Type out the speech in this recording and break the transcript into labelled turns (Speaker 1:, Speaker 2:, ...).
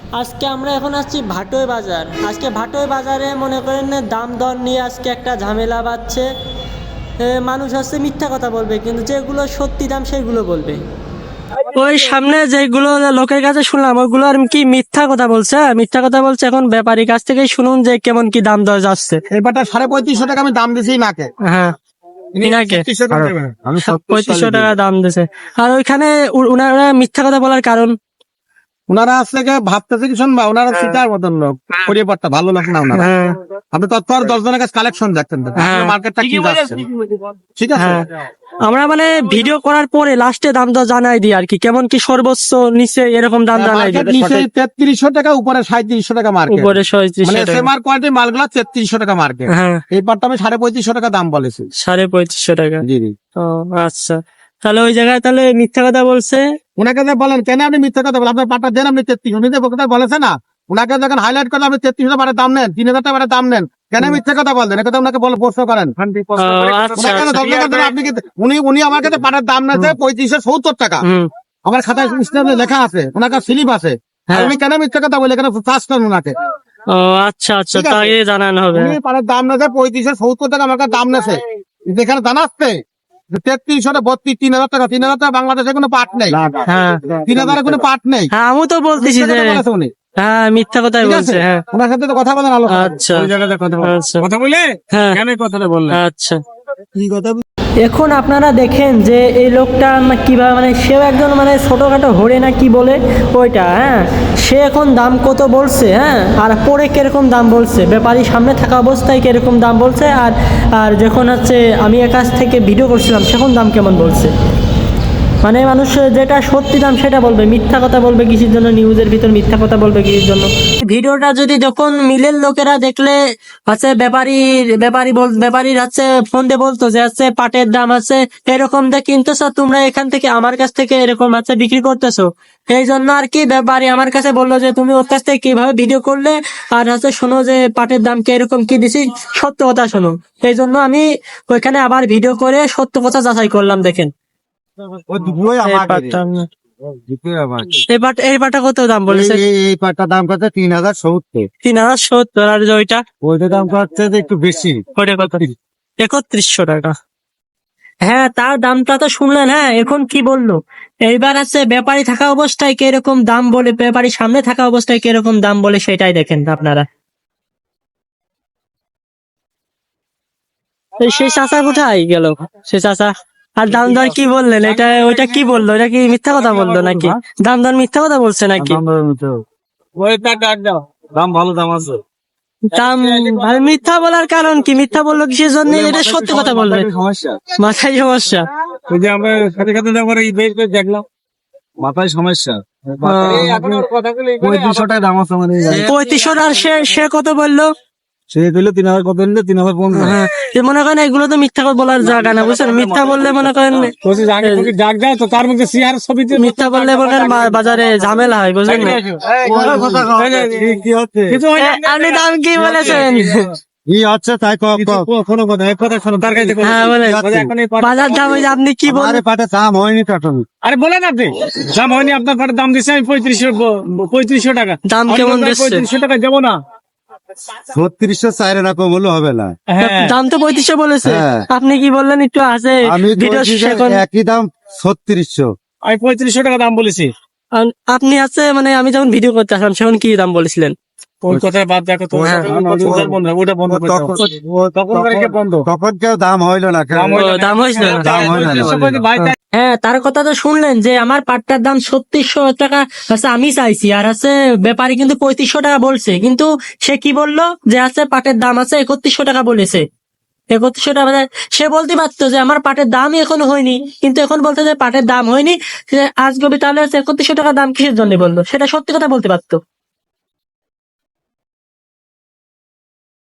Speaker 1: আজকে আমরা এখন আসছি ভাটোই বাজার। আজকে ভাটোই বাজারে মনে করেন দাম দর নিয়ে আজকে একটা ঝামেলা বাজছে। মানুষ হচ্ছে মিথ্যা কথা বলবে, কিন্তু যেগুলো সত্যি দাম সেগুলো বলবে। ওই সামনে যেগুলো লোকের কাছে শুনলাম ওইগুলো আর কি মিথ্যা কথা বলছে, মিথ্যা কথা বলছে। এখন ব্যাপারীর কাছ থেকেই শুনুন যে কেমন কি দাম দর যাচ্ছে।
Speaker 2: এবারটা 3500 টাকা আমি দাম দিয়েছি মাকে।
Speaker 1: হ্যাঁ, ইনাকে 3500 টাকা দাম দিছে। আর ওইখানে উনারা মিথ্যা কথা বলার কারণ,
Speaker 2: ওনারা আসলে ভাবতেছে কি শুনবা, ওনারা সিটার মতন লোক, পরিবারটা ভালো লোক না ওনারা।
Speaker 1: হ্যাঁ
Speaker 2: আপনি তৎপর 10 জনের কাছে কালেকশন দেখতেন, মার্কেটটা কি যাচ্ছে, ঠিক আছে।
Speaker 1: আমরা মানে ভিডিও করার পরে লাস্টে দাম দর জানাই দিই আর কি, কেমন কি সর্বোচ্চ নিচে এরকম দাম জানাই দিই।
Speaker 2: নিচে 3300 টাকা, উপরে 3700 টাকা মার্কেট,
Speaker 1: উপরে 3700
Speaker 2: মানে
Speaker 1: টাকা।
Speaker 2: এসএমআর কোয়ালিটি মালগুলো 3300 টাকা মার্কেট।
Speaker 1: হ্যাঁ,
Speaker 2: এই পাটটা আমি 3550 টাকা দাম বলেছি।
Speaker 1: 3550 টাকা।
Speaker 2: জি জি।
Speaker 1: ও আচ্ছা, তাহলে ওই জায়গায় তাহলে মিথ্যা কথা বলছে।
Speaker 2: ওনাকে বলেন কেন আপনি মিথ্যা কথা বলেন, আপনার পাটটা দেন, আপনি 3300 বলেছে না। ওনাকে যখন হাইলাইট করলে আপনি 3300 টাকা দাম নেন, 3000 টাকা দাম নেন, কেন মিথ্যা কথা বললেন? এটা ওনাকে বলে প্রশ্ন করেন। আপনি উনি আমার কাছে পাটার দাম নেছে 3570 টাকা, আমার খাতায় লেখা আছে, ওনার কাছে স্লিপ আছে। আমি কেন মিথ্যা কথা বলি? এখানে চার্জ করেন ওনাকে।
Speaker 1: ও আচ্ছা আচ্ছা, তাই জানানো হবে।
Speaker 2: উনি পাটার দাম নেছে 3570 টাকা, আমার কাছে দাম নেছে। যেখানে জানাচ্ছে 3300 32 3000 টাকা, 3000 টাকা বাংলাদেশে কোনো পাট নেই।
Speaker 1: হ্যাঁ,
Speaker 2: 3000 কোনো পাট নেই।
Speaker 1: হ্যাঁ আমি তো বলতেছি যে হ্যাঁ মিথ্যা কথাই বলছে। হ্যাঁ,
Speaker 2: ওনার সাথে তো কথা বলেন আলো।
Speaker 1: আচ্ছা,
Speaker 2: ওই জায়গাতে
Speaker 1: আচ্ছা
Speaker 2: কথা বলে
Speaker 1: হ্যাঁ
Speaker 2: কেন কথাটা বললেন?
Speaker 1: আচ্ছা।
Speaker 2: কি কথা?
Speaker 1: এখন আপনারা দেখেন যে এই লোকটা কিভাবে, মানে সেও একজন মানে ছোটোখাটো হরে না কি বলে ওইটা। হ্যাঁ, সে এখন দাম কত বলছে, হ্যাঁ, আর পরে কিরকম দাম বলছে, ব্যাপারী সামনে থাকা অবস্থায় কিরকম দাম বলছে, আর আর যখন হচ্ছে আমি এর কাছ থেকে ভিডিও করছিলাম সেখন দাম কেমন বলছে। মানে মানুষ যেটা সত্যি দাম সেটা বলবে, মিথ্যা কথা বলবে কিসের জন্য? নিউজের ভিতর মিথ্যা কথা বলবে কিসের জন্য? ভিডিওটা যদি যখন মিলের লোকেরা দেখলে হচ্ছে ব্যাপারীর হচ্ছে ফোন দিয়ে বলতো যে হচ্ছে পাটের দাম আছে এরকম দিয়ে কিনতেছো তোমরা, এখান থেকে আমার কাছ থেকে এরকম হচ্ছে বিক্রি করতেছো, এই জন্য আর কি ব্যাপারী আমার কাছে বললো যে তুমি ওর কাছ থেকে কিভাবে ভিডিও করলে, আর হচ্ছে শোনো যে পাটের দাম কি এরকম কি দিছি, সত্য কথা শোনো। এই জন্য আমি ওইখানে আবার ভিডিও করে সত্য কথা যাচাই করলাম। দেখেন এই পাটটা কত দাম বলেছে?
Speaker 2: এই পাটটার দাম কত? 3070।
Speaker 1: 3070। আর
Speaker 2: ওইটা দাম হচ্ছে একটু বেশি।
Speaker 1: ওইটা কত? 3100 টাকা। হ্যাঁ, তার দামটা তো শুনলেন। হ্যাঁ, এখন কি বললো? এইবার আছে ব্যাপারী থাকা অবস্থায় কিরকম দাম বলে, ব্যাপারী সামনে থাকা অবস্থায় কিরকম দাম বলে, সেটাই দেখেন আপনারা। সেই চাচা কোথায় গেল? সে চাচা আর দাম দর কি বললেন? ওইটা কি বললো? এটা কি মিথ্যা কথা বললো নাকি? দাম দর মিথ্যা কথা বলছে নাকি?
Speaker 2: দাম ভালো দাম আছে।
Speaker 1: দাম ভাই, মিথ্যা বলার কারণ কি? মিথ্যা বললো কিসের জন্য? এটা সত্যি কথা বলবে। মাথায় সমস্যা।
Speaker 2: ওই যে আমরা সাথে সাথে দেখলাম মাথায় সমস্যা। 3500 টাকা দাম আছে মানে।
Speaker 1: 3500। আর সে কত বললো?
Speaker 2: সে দিল 3000, কত নিল? 3015।
Speaker 1: হ্যাঁ, মনে করেন এগুলো তো মিথ্যা বলার জায়গা না, বুঝছেন? মিথ্যা বললে মনে করেন
Speaker 2: তার মধ্যে সিআর ছবি,
Speaker 1: মিথ্যা বললে মনে করেন বাজারে ঝামেলা হয়, বুঝলেন না? আপনি দাম কি বলেছেন?
Speaker 2: কি হচ্ছে তাই কোনো কথা, এক কথা শোনো তার কাছে।
Speaker 1: হ্যাঁ বলেন, বাজার দাম হয়েছে আপনি কি বলেন?
Speaker 2: পাটে দাম হয়নি তো এখন। আরে বলেন আপনি দাম হয়নি, আপনার পাটে দাম দিচ্ছি আমি 3500 টাকা।
Speaker 1: দাম কেমন দিচ্ছে?
Speaker 2: 3500 টাকা দেবো না। 3600 চাইরে না, কম হলেও হবে না।
Speaker 1: দাম তো 3500 বলেছে। আপনি কি বললেন একটু আছে?
Speaker 2: আমি একই দাম 3600, আমি 3500 টাকা দাম বলেছি।
Speaker 1: আপনি আছে মানে আমি যখন ভিডিও করতে আসলাম সেখন কি দাম বলেছিলেন?
Speaker 2: ওই কথা বাদ দেখো তো, তখন কেউ দাম হইলো না,
Speaker 1: দাম হয়েছিল না। হ্যাঁ, তার কথা তো শুনলেন যে আমার পাটটার দাম 3600 টাকা আছে আমি চাইছি, আর আছে ব্যাপারী কিন্তু 3500 টাকা বলছে, কিন্তু সে কি বললো যে আছে পাটের দাম আছে 3100 টাকা বলেছে। 3100 টাকা সে বলতে পারতো যে আমার পাটের দামই এখনো হয়নি, কিন্তু এখন বলতে যে পাটের দাম হয়নি, আজকে তাহলে 3100 টাকা দাম কিসের জন্য বললো? সেটা সত্যি কথা বলতে পারতো।